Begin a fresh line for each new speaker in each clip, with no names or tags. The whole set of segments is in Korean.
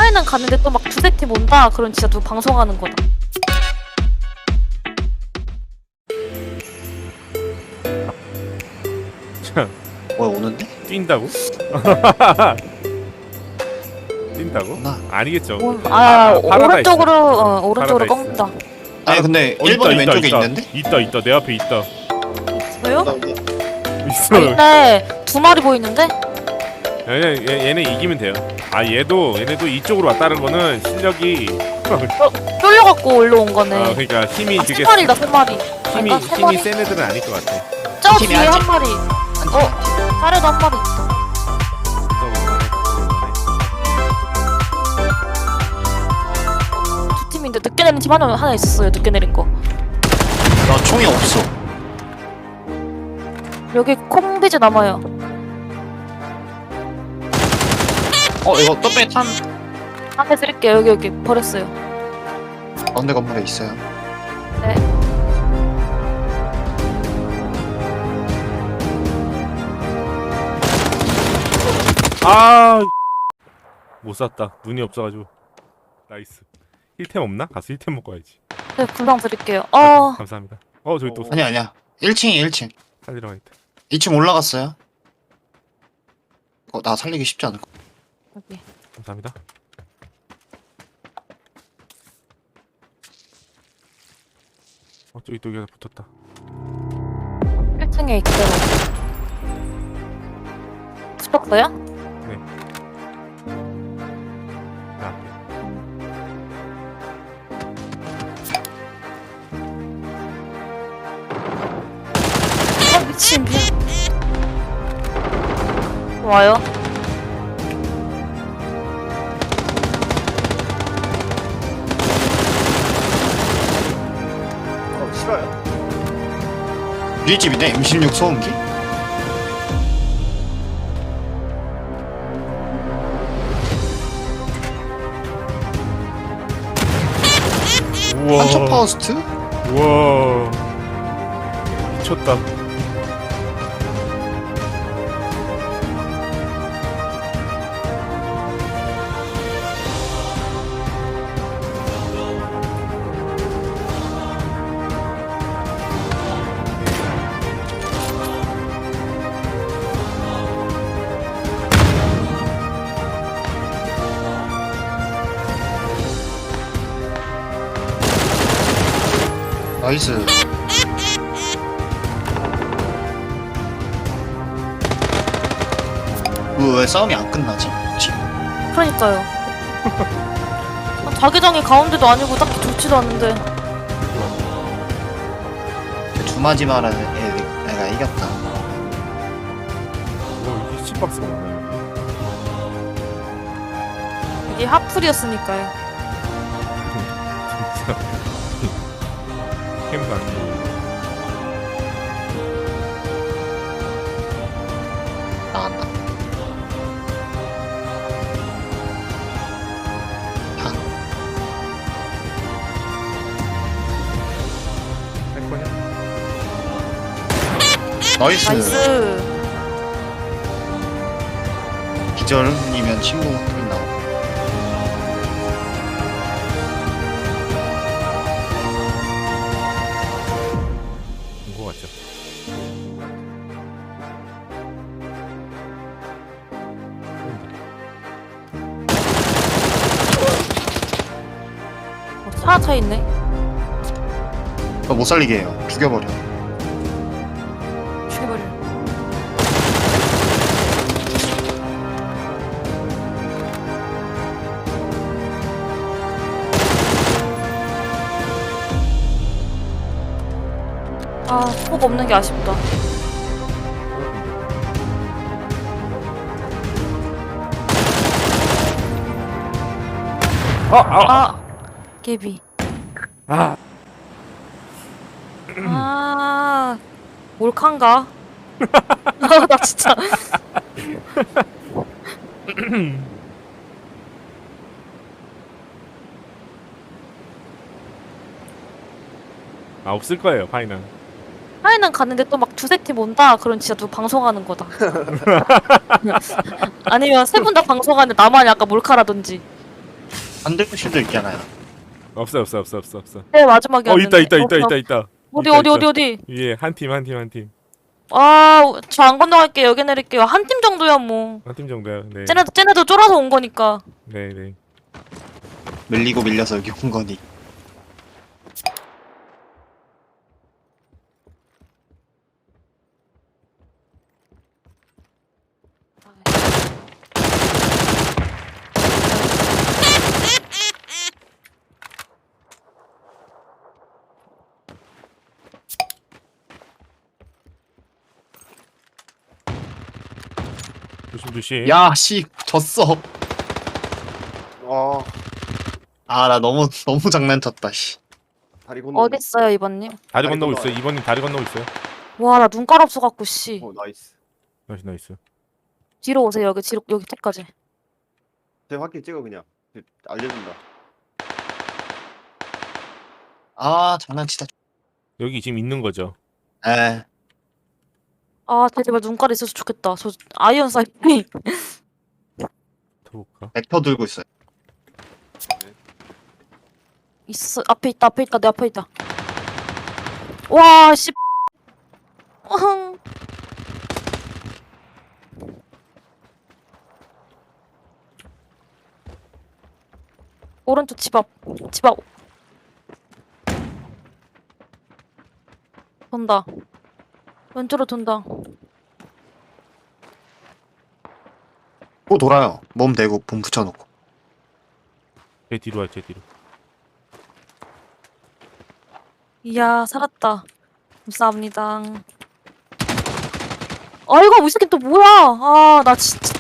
하이는 갔는데 또 막 두세 팀 온다. 그럼 진짜 누구 방송하는 거다.
참,
뭐야 오는데?
뛴다고? 뛴다고?
나.
아니겠죠.
오른쪽으로 오른쪽으로
파라다이스.
꺾는다.
아니 근데
어,
1번이
있다,
왼쪽에
있다.
있는데?
있다 내 앞에 있다.
왜요?
있어.
근데 두 마리 보이는데?
얘네 이기면 돼요. 얘네도 이쪽으로 왔다는 거는 실력이
쫄려갖고 올라온 거네.
그러니까 힘이
세
되게
마리다, 세 마리.
힘이
아닌가? 세 마리?
센 애들은 아닐 것 같아.
저
팀이
뒤에
한
한
팀.
마리. 자료도 한 마리 있다. 두 팀인데 늦게 내린 팀 하나 있었어요. 늦게 내린 거.
나 총이 없어.
여기 콩비즈 남아요.
이거 떡배 탄
한대 드릴게요. 여기 버렸어요.
가운데 건물에 있어요.
네.
못 샀다. 눈이 없어가지고. 나이스. 힐템 없나? 가서 힐템 먹고 와야지.
네, 금방 드릴게요.
감사합니다. 저기 또
아니야 1층이 1층.
살리러 가겠다.
2층 올라갔어요. 나 살리기 쉽지 않을 거.
여기.
감사합니다. 저기 또 여기가 붙었다.
1층에 있대요. 붙었어요?
나.
미친. 와요?
싫어요.
우리 집이네 M16 소음기?
우와.
한척 파우스트?
우와. 미쳤다.
나이스. 왜 싸움이 안 끝나지?
그러니까요. 자기장이 가운데도 아니고 딱히 좋지도 않은데.
두마지 말하는 애가 이겼다.
이게 10박스가 많아요.
이게 하풀이었으니까요.
진짜. 캠도 안 돼.
나간다.
할 거냐?
나이스.
나이스.
기절이면 친구 한 나오고.
본거 같죠?
차 차 있네.
못 살리게 해요. 죽여버려.
죽여버려. 폭 없는 게 아쉽다. 개비. 몰칸가? 나 진짜.
없을 거예요, 파이는.
하이는 갔는데 또 막 두세 팀 온다. 그럼 진짜 누구 방송하는 거다. 아니면 세 분 다 방송하는데 나만 약간 몰카라든지.
반대실도 있잖아요.
없어.
네 마지막이었는데.
있다.
어디
있다,
어디
있다.
어디 어디.
위에 한 팀.
저 안 건너갈게요. 여기 내릴게요. 한 팀 정도야 뭐.
한 팀 정도야. 네.
쟤네도 쫄아서 온 거니까.
네.
밀리고 밀려서 여기 온 거니.
조심.
야, 씨, 졌어.
아,
나 너무 장난쳤다, 씨.
다리 건너.
어딨어요 이번님?
다리
다리
건너고
건너와요.
있어요. 2번님 다리 건너고 있어요.
와 나 눈깔 없어갖고 씨.
나이스.
나이스.
뒤로 오세요. 여기 뒤로 여기 끝까지.
제 확인 찍어 그냥. 알려준다.
장난치다.
여기 지금 있는 거죠.
에,
제발 눈깔 있어서 좋겠다. 저 아이언 사이피.
터볼까?
벡터 들고 있어요.
있어. 앞에 있다. 내 앞에 있다. 와 씨. 어흥. 오른쪽 집 앞. 돈다. 왼쪽으로 돈다.
또 돌아요. 몸 대고 봄 붙여놓고.
제 뒤로 제 뒤로.
이야 살았다. 감사합니다. 이거 이 새끼 또 뭐야? 나 진짜.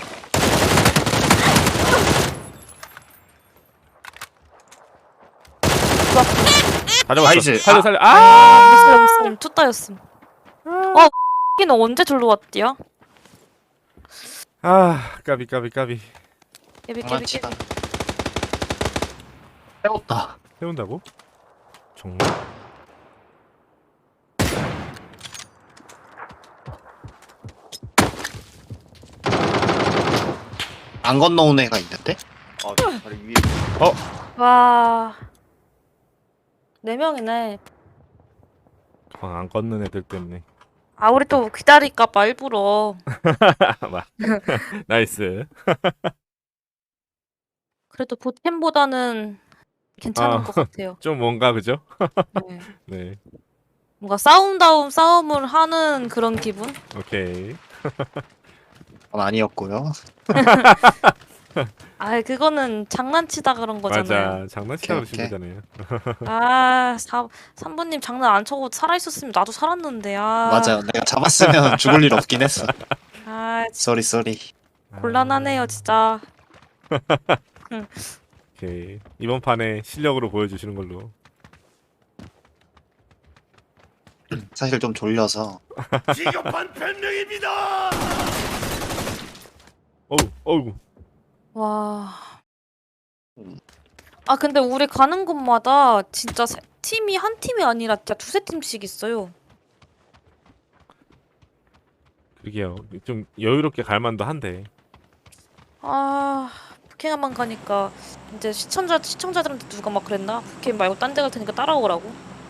다 잡았어.
나이스.
살려.
무슬림 투따였음. X는 언제 절로 왔디야?
까비.
깨비.
장난치다. 배웠다.
세운다고? 정말?
안 건너온 애가 있는데?
다리 위에.
와. 4명이네.
방 안 걷는 애들 때문에.
우리 또 기다릴까봐 일부러.
나이스.
그래도 보템보다는 괜찮은 것 같아요.
좀 뭔가 그죠?
네.
네.
뭔가 싸움다운 싸움을 하는 그런 기분?
오케이.
그건 아니었고요.
그거는 장난치다 그런 거잖아요.
맞아. 장난치다
오케이,
그러신 거잖아요.
3번님 장난 안 쳐고 살아있었으면 나도 살았는데.
맞아요. 내가 잡았으면 죽을 일 없긴 했어. 쏘리.
곤란하네요 진짜.
오케이. 이번 판에 실력으로 보여주시는 걸로.
사실 좀 졸려서.
비겁한 변명입니다.
어우.
와. 근데 우리 가는 곳마다 진짜 팀이 한 팀이 아니라 진짜 두세 팀씩 있어요.
그러게요. 좀 여유롭게 갈 만도 한데.
북캠만 가니까 이제 시청자들한테 누가 막 그랬나? 북캠 말고 딴 데 갈 테니까 따라오라고.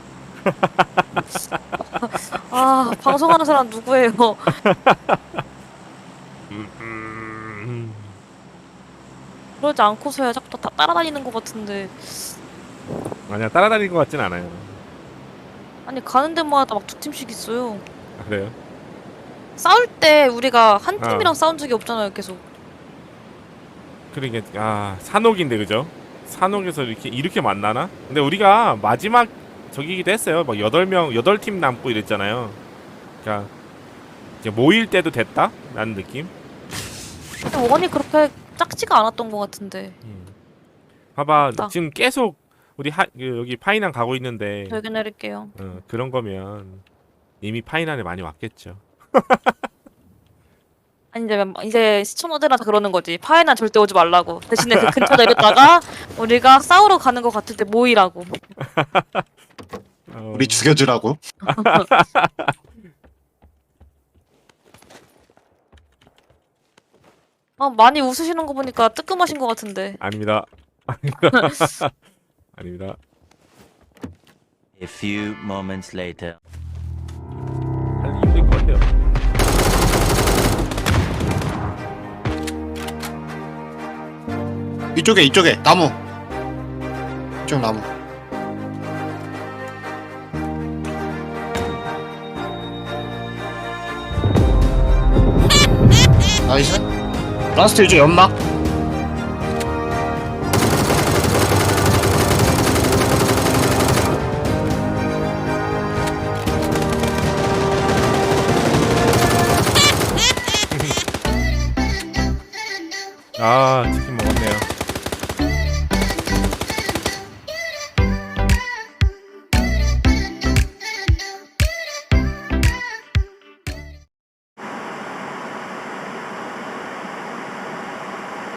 방송하는 사람 누구예요? 그러지 않고서야 자꾸 다 따라다니는 것 같은데.
아니야, 따라다니는 것 같진 않아요.
아니 가는 데마다 막 두 팀씩 있어요.
그래요?
싸울 때 우리가 한 팀이랑 싸운 적이 없잖아요, 계속.
그러게 산옥인데 그죠? 산옥에서 이렇게 만나나? 근데 우리가 마지막 저기기도 했어요. 막 8팀 남고 이랬잖아요. 그러니까 이제 모일 때도 됐다? 라는 느낌?
근데 원이 그렇게 작지가 않았던 것 같은데.
봐봐,
맞다.
지금 계속 우리 여기 파이난 가고 있는데
여기 내릴게요.
그런 거면 이미 파이난에 많이 왔겠죠.
아니 이제 시청자들한테 그러는 거지. 파이난 절대 오지 말라고. 대신에 그 근처 내렸다가 우리가 싸우러 가는 것 같을 때 모이라고.
우리 죽여주라고?
많이 웃으시는 거 보니까 뜨끔하신 것 같은데.
아닙니다. 아닙니다.
A few moments later.
할 힘들 것 같아요.
이쪽에 나무. 이쪽 나무. 나이스. 라스트 이쪽 연막.
아 치킨 먹었네요.